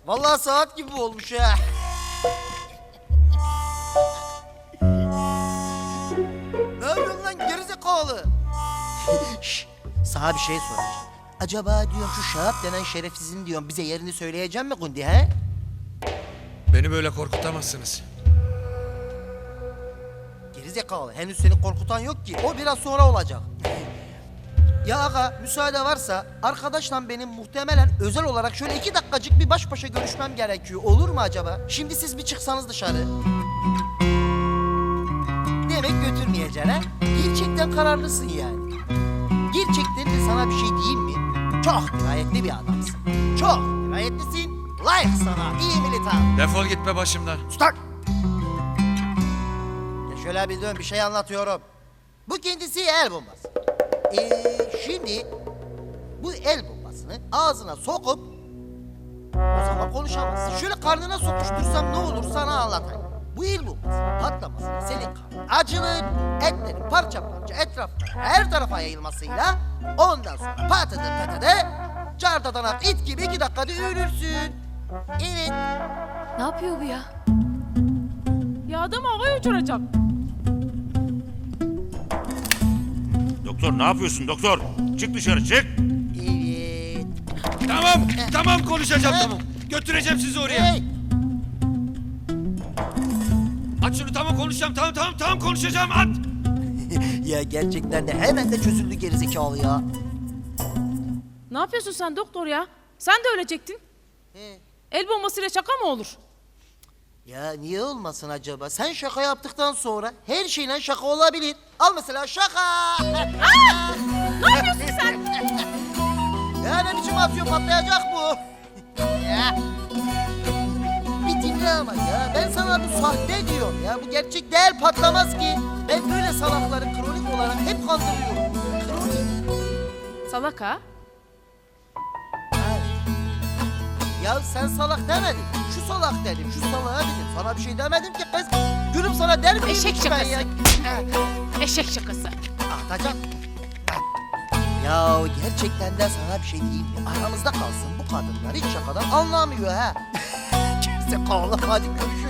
Vallahi saat gibi olmuş ha. Ne yapıyorsun lan gerizekalı? Şşş, sana bir şey soracağım. Acaba diyorum şu Şahap denen şerefsizin diyorum bize yerini söyleyecek mi Gundi he? Beni böyle korkutamazsınız. Gerizekalı henüz seni korkutan yok ki. O biraz sonra olacak. Ya aga müsaade varsa arkadaşla benim muhtemelen özel olarak şöyle 2 dakikacık bir baş başa görüşmem gerekiyor. Olur mu acaba? Şimdi siz bir çıksanız dışarı. Demek götürmeyeceksin ha? Gerçekten kararlısın yani. Gerçekten de sana bir şey diyeyim mi? Çok dirayetli bir adamsın. Çok dirayetlisin. Layık sana iyi militan. Defol gitme başımdan. Stop! Ya şöyle bir dön bir şey anlatıyorum. Bu kendisi el bombası. Şimdi bu el bombasını ağzına sokup o zaman konuşamazsın. Şöyle karnına sokuştursam ne olur sana anlatayım. Bu el bombası patlamasıyla senin karnın acılır, etlerin parça parça etrafına her tarafa yayılmasıyla ondan sonra patadı çardadanak it gibi 2 dakikada ölürsün. Evet. Ne yapıyor bu ya? Ya adam havaya uçuracak. Doktor ne yapıyorsun doktor? Çık dışarı çık. Evet. Tamam konuşacağım tamam. Götüreceğim sizi oraya. Hey! Aç şunu tamam konuşacağım tamam konuşacağım at. Ya gerçekten de hemen de çözüldü gerizekalı ya. Ne yapıyorsun sen doktor ya? Sen de ölecektin. He. El bombasıyla şaka mı olur? Ya niye olmasın acaba? Sen şaka yaptıktan sonra her şeyle şaka olabilir. Al mesela şaka. Ne yapıyorsun sen? Ya ne biçim atıyor patlayacak bu. Ya. Bir dinle ama ya. Ben sana bu sahte diyorum ya. Bu gerçek değil patlamaz ki. Ben böyle salakları kronik olarak hep kandırıyorum. Kronik. Salak ha? Ya sen salak demedin. Şu salak dedim, şu salağa dedim. Sana bir şey demedim ki kız. Gülüm sana der miyim Eşek hiç ben şakası. ya? Eşek şakası. Atacak. Ya gerçekten de sana bir şey diyeyim mi? Aramızda kalsın bu kadınlar hiç şakadan anlamıyor ha. Kimse kaldı hadi görüşürüz.